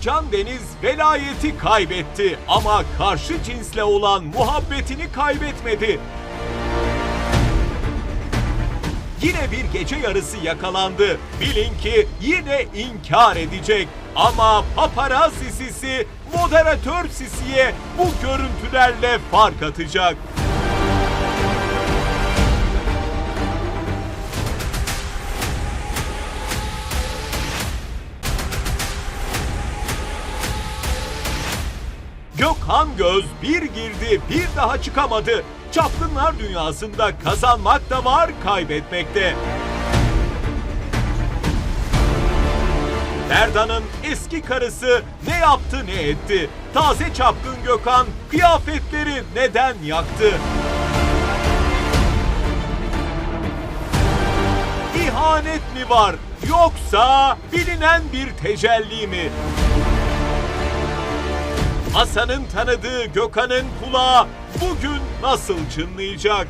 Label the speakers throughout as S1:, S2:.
S1: Özcan Deniz velayeti kaybetti ama karşı cinsle olan muhabbetini kaybetmedi. Yine bir gece yarısı yakalandı. Bilin ki yine inkar edecek. Ama paparazzi Sisi, moderatör Sisi'ye bu görüntülerle fark atacak. Gökhan Göz bir girdi, bir daha çıkamadı. Çapkınlar dünyasında kazanmak da var, kaybetmek de. Ferdan'ın eski karısı ne yaptı ne etti? Taze çapkın Gökhan kıyafetleri neden yaktı? İhanet mi var yoksa bilinen bir tecelli mi? Hasan'ın tanıdığı Gökhan'ın kulağı bugün nasıl çınlayacak?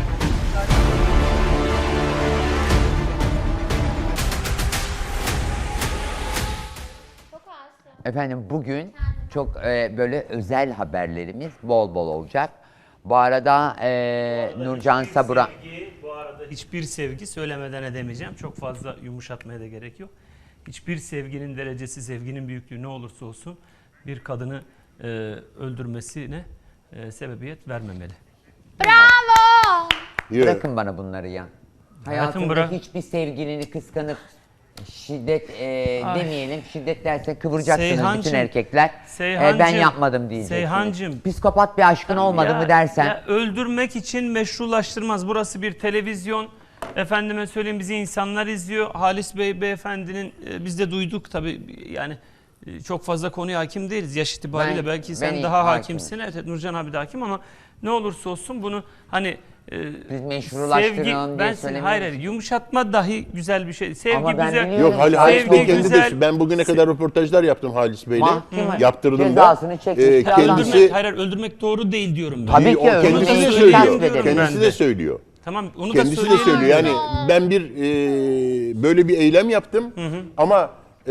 S2: Efendim bugün çok böyle özel haberlerimiz bol bol olacak. Bu arada Nurcan Sabura...
S3: Bu arada hiçbir sevgi söylemeden edemeyeceğim. Çok fazla yumuşatmaya da gerek yok. Hiçbir sevginin derecesi, sevginin büyüklüğü ne olursa olsun bir kadını öldürmesine sebebiyet vermemeli.
S4: Bravo!
S2: Bırakın bana bunları ya. Hayatımda
S3: bırak.
S2: hiçbir sevgilini kıskanıp şiddet demeyelim. Şiddet derse kıvıracaksınız bütün erkekler. Ben yapmadım diyeceksiniz.
S3: Seyhancığım.
S2: Psikopat bir aşkın olmadı mı dersen.
S3: Ya öldürmek için meşrulaştırmaz. Burası bir televizyon. Efendime söyleyeyim, bizi insanlar izliyor. Halis Bey beyefendinin biz de duyduk tabii, yani çok fazla konuya hakim değiliz yaş itibariyle. Belki sen daha hakimsin. Evet, Nurcan abi de hakim ama ne olursa olsun bunu hani
S2: biz meşrulaştıralım diye söylemiyoruz.
S3: Hayır, yumuşatma dahi güzel bir şey. Sevgi
S2: ama ben
S3: güzel.
S5: Yok, Halis Bey kendi
S3: güzel.
S5: de, ben bugüne kadar röportajlar yaptım Halis Bey'le. Yaptırdım da.
S2: Cezasını çekmiş.
S5: Kendisi,
S3: Öldürmek doğru değil diyorum ben.
S2: Tabii ki
S5: kendisi de söylüyor. Kendisi de söylüyor.
S3: Tamam, onu
S5: Kendisi
S3: da
S5: de söylüyor. Yani ben böyle bir eylem yaptım ama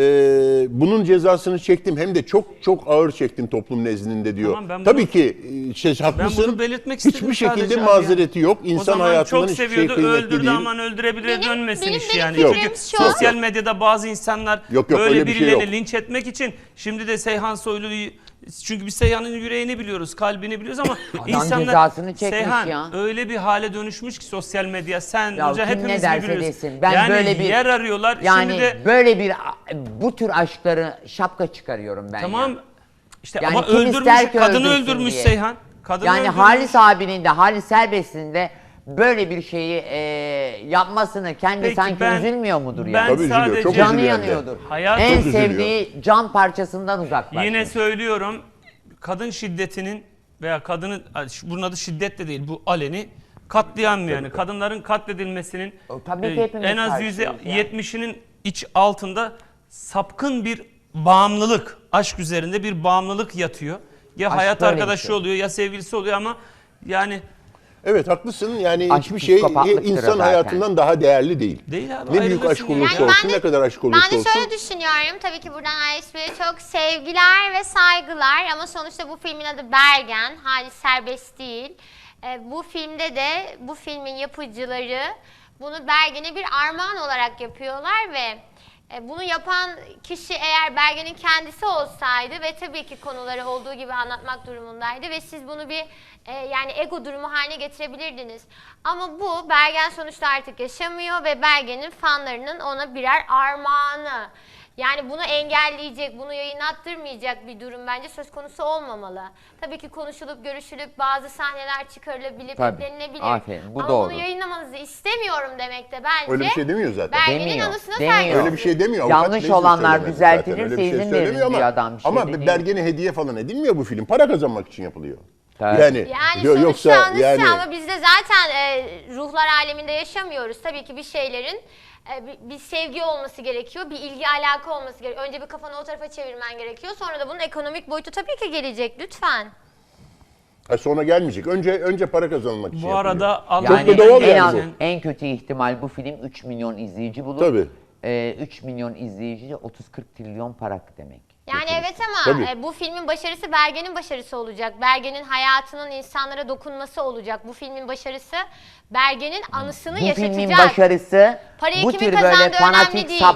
S5: bunun cezasını çektim, hem de çok çok ağır çektim toplum nezdinde diyor.
S3: Tamam,
S5: tabii ki
S3: Ben
S5: haklısın.
S3: bunu belirtmek istedim
S5: Hiçbir şekilde
S3: sadece
S5: mazereti yok. İnsan
S3: o zaman
S5: hayatından
S3: çok
S5: hiçbir şey
S3: seviyordu,
S5: kıymetli
S3: öldürdü,
S5: değil.
S3: aman öldürebilir dönmesin iş
S4: benim
S3: yani.
S4: fikrim
S3: Çünkü
S4: şu.
S3: sosyal medyada bazı insanlar
S5: Yok,
S3: böyle
S5: öyle bir şey
S3: birilerini
S5: yok.
S3: linç etmek için şimdi de Seyhan Soylu'yu, çünkü biz Seyhan'ın yüreğini biliyoruz, kalbini biliyoruz ama insanlar
S2: cezasını çekmiş
S3: Seyhan
S2: ya.
S3: öyle bir hale dönüşmüş ki sosyal medya, sen
S2: Ya
S3: hoca
S2: kim ne
S3: hepimiz
S2: derse
S3: biliyoruz.
S2: desin. Ben
S3: yani
S2: böyle bir
S3: yer arıyorlar.
S2: Yani
S3: şimdi de
S2: böyle bir bu tür aşkları şapka çıkarıyorum ben.
S3: tamam
S2: ya.
S3: işte
S2: Yani
S3: ama
S2: kim
S3: öldürmüş,
S2: ister ki
S3: kadını
S2: öldürsün
S3: öldürmüş
S2: diye.
S3: Seyhan. Kadını
S2: Yani
S3: öldürmüş.
S2: Halis abinin de Halis Serbest'in de böyle bir şeyi yapmasını kendi
S3: Peki,
S2: sanki
S3: ben-
S2: üzülmüyor mudur ya?
S3: ben
S5: Tabii üzülüyor,
S3: sadece-
S5: çok
S2: Canı
S5: üzülüyor hem de.
S2: yanıyordur.
S3: Hayat-
S2: En
S5: Çok üzülüyor.
S2: sevdiği cam parçasından uzaklaşmış.
S3: Yine söylüyorum, kadın şiddetinin veya kadının, bunun adı şiddet de değil, bu aleni katliam yani. Kadınların katledilmesinin
S2: Tabii ki hepimiz
S3: en az
S2: karşıyız ya.
S3: %70'inin iç altında sapkın bir bağımlılık, aşk üzerinde bir bağımlılık yatıyor. Ya
S2: Aşk
S3: hayat
S2: böyle bir
S3: arkadaşı
S2: şey.
S3: oluyor ya sevgilisi oluyor ama yani
S5: Evet, haklısın. Yani
S2: Aşk
S5: hiçbir şey
S2: psikopatlıktır
S5: insan
S2: zaten.
S5: hayatından daha değerli değil.
S3: değil abi.
S5: Ne büyük
S3: ayrılırsın
S5: aşk
S3: ya.
S5: olursa
S4: Yani
S5: olsun, ne kadar aşk olursa
S4: Ben de
S5: olsun.
S4: şöyle düşünüyorum. Tabii ki buradan Halis Bey'e çok sevgiler ve saygılar. Ama sonuçta bu filmin adı Bergen. Halis Serbest değil. Bu filmde de bu filmin yapıcıları bunu Bergen'e bir armağan olarak yapıyorlar ve bunu yapan kişi eğer Bergen'in kendisi olsaydı ve tabii ki konuları olduğu gibi anlatmak durumundaydı ve siz bunu bir yani ego durumu haline getirebilirdiniz. Ama bu Bergen sonuçta artık yaşamıyor ve Bergen'in fanlarının ona birer armağanı. Yani bunu engelleyecek, bunu yayınlattırmayacak bir durum bence söz konusu olmamalı. Tabii ki konuşulup, görüşülüp bazı sahneler çıkarılabilir,
S2: Tabii.
S4: eklenilebilir.
S2: Aferin, bu
S4: ama
S2: doğru.
S4: bunu yayınlamanızı istemiyorum demek de bence.
S5: Öyle bir şey demiyor zaten.
S4: Bergen'in
S2: Demiyor,
S4: anısına
S2: demiyor.
S4: saygı.
S5: Öyle bir şey demiyor. Avukat
S2: Yanlış
S5: Bey de
S2: olanlar
S5: söylemedi
S2: düzeltilirse
S5: zaten. Öyle bir şey
S2: izin
S5: söylemiyor
S2: verin diyor
S5: ama-
S2: adam, bir şey
S5: Ama
S2: de değil.
S5: Bergen'e hediye falan edilmiyor bu film. Para kazanmak için yapılıyor.
S2: Tabii.
S4: Yani sonuçta anısı
S5: yani
S4: ama biz de zaten ruhlar aleminde yaşamıyoruz. Tabii ki bir şeylerin bir sevgi olması gerekiyor, bir ilgi alaka olması gerekiyor. Önce bir kafanı o tarafa çevirmen gerekiyor. Sonra da bunun ekonomik boyutu tabii ki gelecek lütfen.
S5: sonra gelmeyecek. Önce para kazanmak için
S3: Bu
S5: yapılıyor.
S3: arada Allah
S2: Yani
S5: Çok da doğal
S2: en,
S5: yani bu.
S2: en kötü ihtimal bu film 3 milyon izleyici bulur.
S5: Tabii.
S2: 3 milyon izleyici de 30-40 trilyon para demek.
S4: Yani evet ama
S5: Tabii.
S4: bu filmin başarısı Bergen'in başarısı olacak. Bergen'in hayatının insanlara dokunması olacak. Bu filmin başarısı Bergen'in anısını
S2: Bu
S4: yaşatacak.
S2: filmin başarısı
S4: Parayı
S2: bu
S4: kimin
S2: tür böyle
S4: kazandığı önemli
S2: fanatik
S4: değil.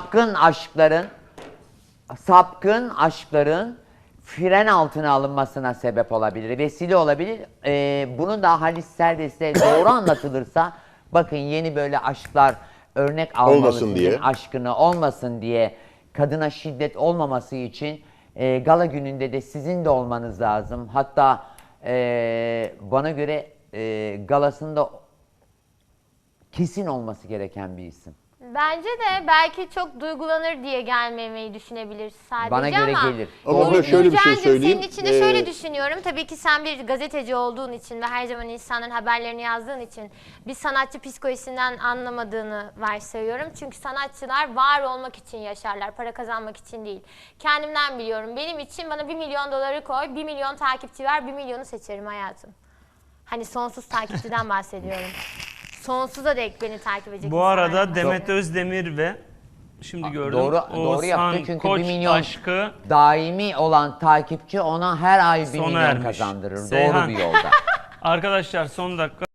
S2: sapkın aşkların fren altına alınmasına sebep olabilir, vesile olabilir. Bunu da Halis Serbest'e doğru anlatılırsa, bakın yeni böyle aşklar örnek almalı
S5: Olmasın
S2: sizin
S5: diye.
S2: aşkını, olmasın diye, kadına şiddet olmaması için gala gününde de sizin de olmanız lazım. Hatta bana göre galasında kesin olması gereken bir isim.
S4: Bence de belki çok duygulanır diye gelmemeyi düşünebilir sadece
S2: Bana göre
S4: ama
S2: gelir.
S5: Ama burada şöyle bir şey
S4: Nurcan'cığım,
S5: söyleyeyim.
S4: senin için de şöyle düşünüyorum. Tabii ki sen bir gazeteci olduğun için ve her zaman insanların haberlerini yazdığın için bir sanatçı psikolojisinden anlamadığını varsayıyorum. Çünkü sanatçılar var olmak için yaşarlar, para kazanmak için değil. Kendimden biliyorum. Benim için bana 1 milyon doları koy, 1 milyon takipçi ver, 1 milyonu seçerim hayatım. Hani sonsuz takipçiden bahsediyorum. Sonsuza dek beni takip edecek
S3: Bu
S4: insanlar
S3: arada
S4: var.
S3: Demet Özdemir ve şimdi gördüm
S2: Doğru
S3: Oğuzhan
S2: yaptı çünkü
S3: Koç
S2: 1 milyon
S3: aşkı
S2: daimi olan takipçi ona her ay 1
S3: sona
S2: milyon
S3: ermiş.
S2: kazandırır.
S3: Seyhan.
S2: Doğru bir yolda.
S3: Arkadaşlar son dakika.